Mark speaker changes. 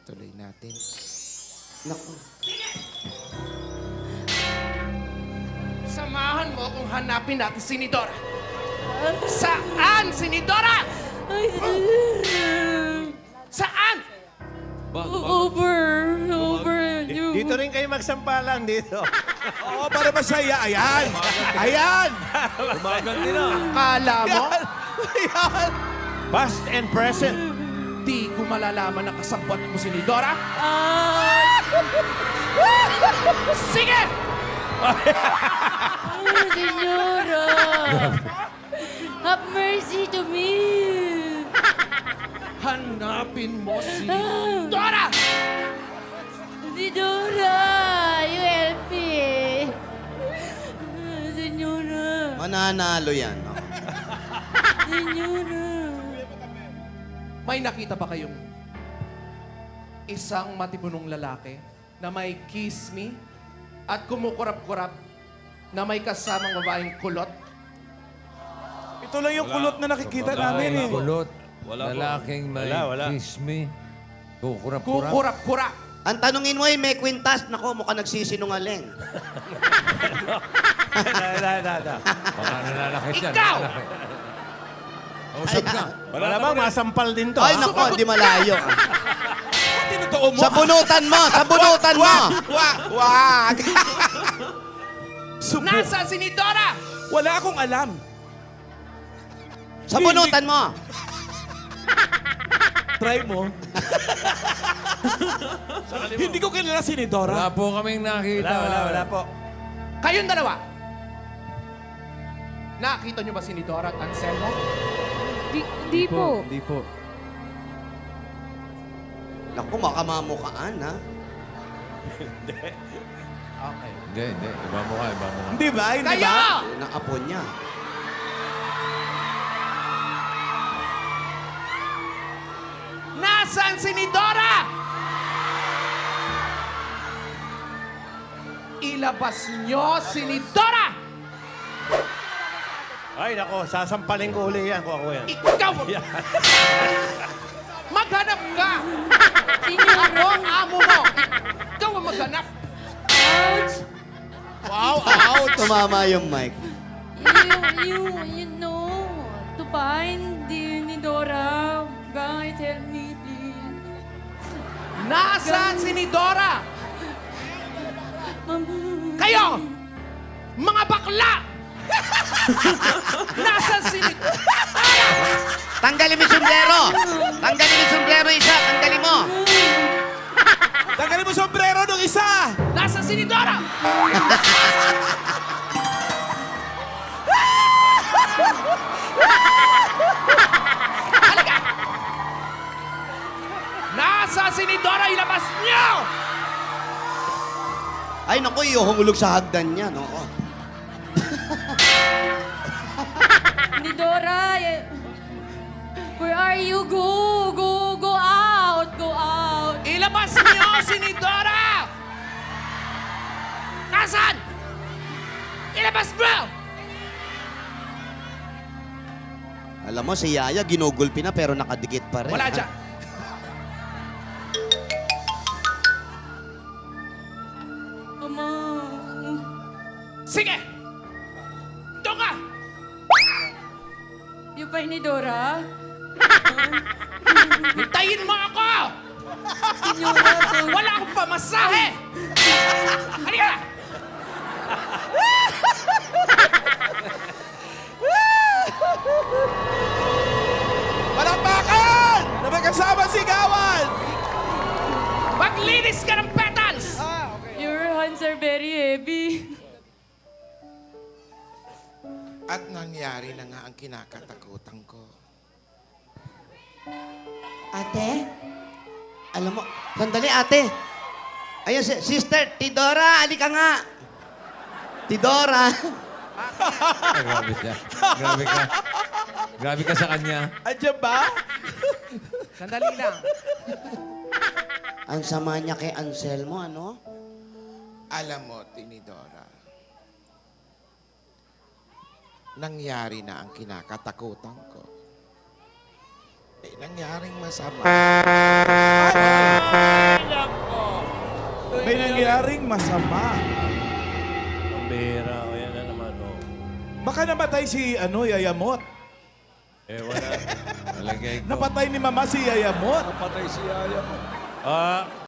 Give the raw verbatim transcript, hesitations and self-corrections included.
Speaker 1: Tuloy natin.
Speaker 2: Naku.
Speaker 3: Samahan mo kung hanapin natin si Nidora. Saan si Nidora? Saan?
Speaker 4: Over. Over. You.
Speaker 5: Dito rin kayo magsampalan dito. Oo, para masaya. Ayan! Ayan!
Speaker 6: Gumaganti na.
Speaker 3: Kala mo,
Speaker 5: Ayan! Past and present.
Speaker 3: di ko malalaman na kasabot mo si Nidora?
Speaker 4: Ah.
Speaker 3: Sige!
Speaker 4: Oh, Señora. Have mercy to me.
Speaker 3: Hanapin mo si Nidora!
Speaker 4: Nidora, you help me. Señora.
Speaker 2: Mananalo yan. No?
Speaker 4: Señora.
Speaker 3: May nakita ba kayong isang matibunong lalaki na may kiss me at kumukurap-kurap na may kasamang babaeng kulot?
Speaker 5: Ito lang yung
Speaker 6: Wala.
Speaker 5: kulot na nakikita
Speaker 6: Wala.
Speaker 5: namin eh.
Speaker 7: Kulot.
Speaker 6: Wala po.
Speaker 7: Lalaking may
Speaker 6: Wala, wala.
Speaker 7: kiss me. Kukurap-kurap.
Speaker 3: Kukurap-kurap.
Speaker 2: Ang tanungin mo ay may kwintas. Nako, mukhang nagsisinungaling.
Speaker 5: Da, da, da.
Speaker 7: Baka nananakit yan.
Speaker 3: Ikaw!
Speaker 7: nananakit. Kausap ka.
Speaker 5: Wala ba? Masampal din to.
Speaker 2: Ay,
Speaker 5: ha?
Speaker 2: nako, di malayo.
Speaker 5: Tinutoo mo.
Speaker 2: Sa bunutan mo! Sa bunutan mo!
Speaker 5: Wag! Wag! Subo.
Speaker 3: Nasa si Nidora?
Speaker 5: Wala akong alam.
Speaker 2: Sa bunutan mo!
Speaker 5: Try mo. Hindi ko kilala si Nidora.
Speaker 7: Wala po kaming nakita.
Speaker 5: Wala, wala, wala po.
Speaker 3: Kayong dalawa. Nakita niyo ba si Nidora at Anselmo?
Speaker 4: Di, di po.
Speaker 7: Hindi po.
Speaker 2: Naku, makamamukhaan, ha?
Speaker 3: Okay.
Speaker 7: Hindi, hindi. Iba mo ka, iba mo ka.
Speaker 5: Hindi ba? Hindi
Speaker 3: Kayo!
Speaker 5: ba?
Speaker 2: Yun ang apo niya.
Speaker 3: Nasaan si Nidora? Ilabas niyo si Nidora!
Speaker 5: Ay, nako. Sasampalin ko uli yan kung ako yan.
Speaker 3: Ikaw! Maghanap ka!
Speaker 4: Señora.
Speaker 3: Ako ang amo mo! Ikaw ang maghanap!
Speaker 4: Ouch.
Speaker 3: Wow, ouch!
Speaker 2: Tumama yung mic.
Speaker 4: You, you, you know, to find the Nidora. Guys, help me, please.
Speaker 3: Nasaan si Nidora?
Speaker 4: Mama.
Speaker 3: Kayo! Mga bakla! Nasaan si Nidora?
Speaker 2: Tanggalin mo yung sombrero! Tanggalin mo yung sombrero isa! Tanggalin mo!
Speaker 5: Tanggalin mo sombrero nung isa!
Speaker 3: Nasaan si Nidora? Halika! Nasaan si Nidora? Ilabas niyo!
Speaker 2: Ay, naku, iuhulog sa hagdan niya, no?
Speaker 4: Nidora, eh, where are you? Go, go, go out, go out.
Speaker 3: Ilabas niyo si Nidora! Nasaan? Ilabas mo!
Speaker 2: Alam mo, si Yaya, ginugulpi na pero nakadikit pa rin.
Speaker 3: Wala
Speaker 2: ha?
Speaker 3: dyan.
Speaker 4: Mama.
Speaker 3: Sige! Doon ka!
Speaker 4: You find Nidora?
Speaker 3: Hintayin mo ako!
Speaker 4: Señora, so...
Speaker 3: Wala akong pamasahe! Halika!
Speaker 5: Palakpakan! Na may kasama sigawan!
Speaker 3: Maglinis ka ng petals!
Speaker 4: Your hands are very heavy.
Speaker 1: At nangyari na nga ang kinakatakutan ko.
Speaker 2: Ate? Alam mo, sandali ate. Ayun, si- sister, Tidora, alika nga. Tidora.
Speaker 7: Ay, grabe siya. Grabe ka. Grabe ka sa kanya.
Speaker 5: Andiyan ba?
Speaker 3: Sandali lang.
Speaker 2: Ang sama niya kay Anselmo, ano?
Speaker 1: Alam mo, Tinidora, nangyari na ang kinakatakutan ko. Eh, nangyaring masama.
Speaker 5: nangyaring masama.
Speaker 6: Ang bihira. O yan na naman, oh.
Speaker 5: Baka namatay si ano, Yayamot.
Speaker 6: Eh, wala.
Speaker 7: Malagay ko.
Speaker 5: Napatay ni Mama si Yayamot.
Speaker 6: Napatay si Yaya mo. Ah,